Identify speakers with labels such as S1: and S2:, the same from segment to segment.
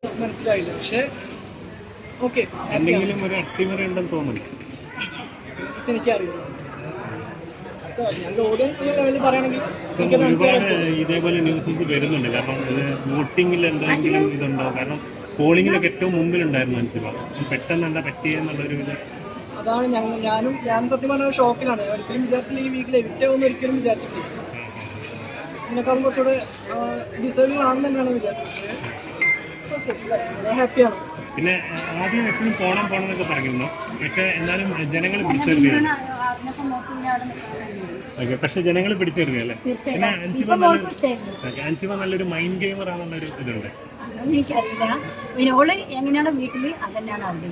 S1: മനസ്സിലായില്ല. പക്ഷേ ഓക്കെ,
S2: എന്തെങ്കിലും ഒരു അട്ടിമറി ഉണ്ടെന്ന് തോന്നുന്നു.
S1: എനിക്കറിയില്ല. ഞാൻ ഓടും ലെവലിൽ പറയുകയാണെങ്കിൽ
S2: ഒരുപാട് ഇതേപോലെ ന്യൂസസ് വരുന്നുണ്ട്. കാരണം ഇത് വോട്ടിങ്ങിൽ എന്തെങ്കിലും ഇതുണ്ടോ? കാരണം പോളിങ്ങിലൊക്കെ ഏറ്റവും മുമ്പിലുണ്ടായിരുന്നു അൻസിബ. പെട്ടെന്ന് എന്താ പറ്റിയെന്നുള്ളൊരു ഇത്.
S1: അതാണ് ഞാനും സത്യം പറഞ്ഞ ഷോക്കിലാണ്. ഒരിക്കലും വിചാരിച്ചില്ല ഈ വീക്കിൽ എവിറ്റാവുമെന്ന് ഒരിക്കലും വിചാരിച്ചിട്ടില്ല. ഇതിനേക്കാളും കുറച്ചുകൂടെ ഡിസേർവിംഗ് ആണെന്ന് തന്നെയാണ് വിചാരിച്ചത്. ഹാപ്പിയാണ്.
S2: പിന്നെ ആദ്യം എപ്പോഴും പോണം എന്നൊക്കെ പറയുന്നു. പക്ഷെ എന്നാലും ജനങ്ങൾ പിടിച്ചെറിയാണ്. ഓക്കെ, പക്ഷെ ജനങ്ങൾ പിടിച്ചെറിയല്ലേ. പിന്നെ അൻസിബ നല്ലൊരു മൈൻഡ് ഗെയിമർ ആണെന്നുള്ളൊരു ഇതുണ്ട്.
S3: എനിക്കറിയില്ല. പിന്നെ ഓള് എങ്ങനെയാണോ വീട്ടില് അതന്നെയാണ് അവിടെ.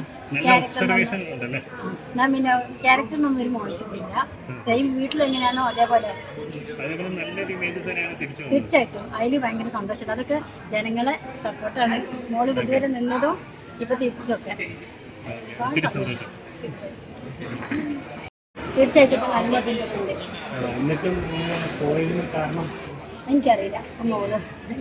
S3: ഞാൻ പിന്നെ ക്യാരക്ടറിനൊന്നും ഒരു മോശമില്ല. സെയിം വീട്ടിൽ എങ്ങനെയാണോ അതേപോലെ തീർച്ചയായിട്ടും അതിൽ ഭയങ്കര സന്തോഷം. അതൊക്കെ ജനങ്ങളെ സപ്പോർട്ടാണ്. മോള് ഇതുവരെ നിന്നതും ഇപ്പൊ തിരിച്ചൊക്കെ തീർച്ചയായിട്ടും നല്ല ബന്ധമുണ്ട്. എനിക്കറിയില്ല. മോള്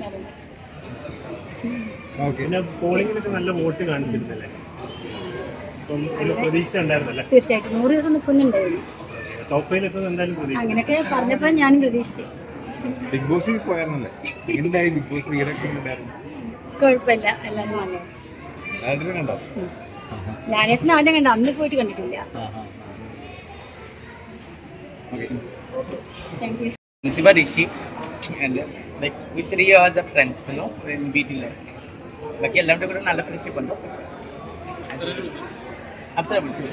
S2: പോളിംഗിലൊക്കെ നല്ല വോട്ട് കാണിച്ചിരുന്നല്ലേ? പ്രതീക്ഷ ഉണ്ടായിരുന്നല്ലേ?
S3: തീർച്ചയായിട്ടും 100 ദിവസം നിൽക്കുന്നുണ്ടായിരുന്നു.
S2: ടോപ്പ് 5 എത്തുന്നത് എന്തായാലും പ്രതീക്ഷ.
S3: അങ്ങനെയൊക്കെ പറഞ്ഞപ്പോൾ ഞാനും പ്രതീക്ഷിച്ചു.
S4: ബിഗ് ബോസ് പോയായിരുന്നല്ലേ? എന്തായി ബിഗ് ബോസ് വീടൊക്കെ ഉണ്ടായിരുന്നു?
S3: കുഴപ്പമില്ല, എല്ലാവരും വന്നു.
S4: കണ്ടോ?
S3: ലാലേസിനെ ആദ്യം കണ്ട, അന്ന് പോയിട്ട് കണ്ടിട്ടില്ല. Thank you.
S5: Ansiba Rishi and like we 3 are the friends, you know, in BT life. Baki ellam kuda nalla friendship undu. Absolutely.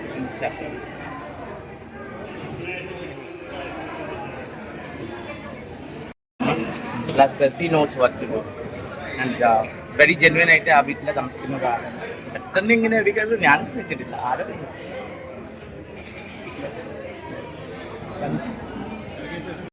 S5: Plus she knows what to do and very genuine ആയിട്ട് ആ വീട്ടിലെ താമസിക്കുന്ന ഒരാളാണ്. പെട്ടെന്ന് ഇങ്ങനെ എടുക്കുന്നത് ഞാൻ വിശ്വസിച്ചിട്ടില്ല. ആരും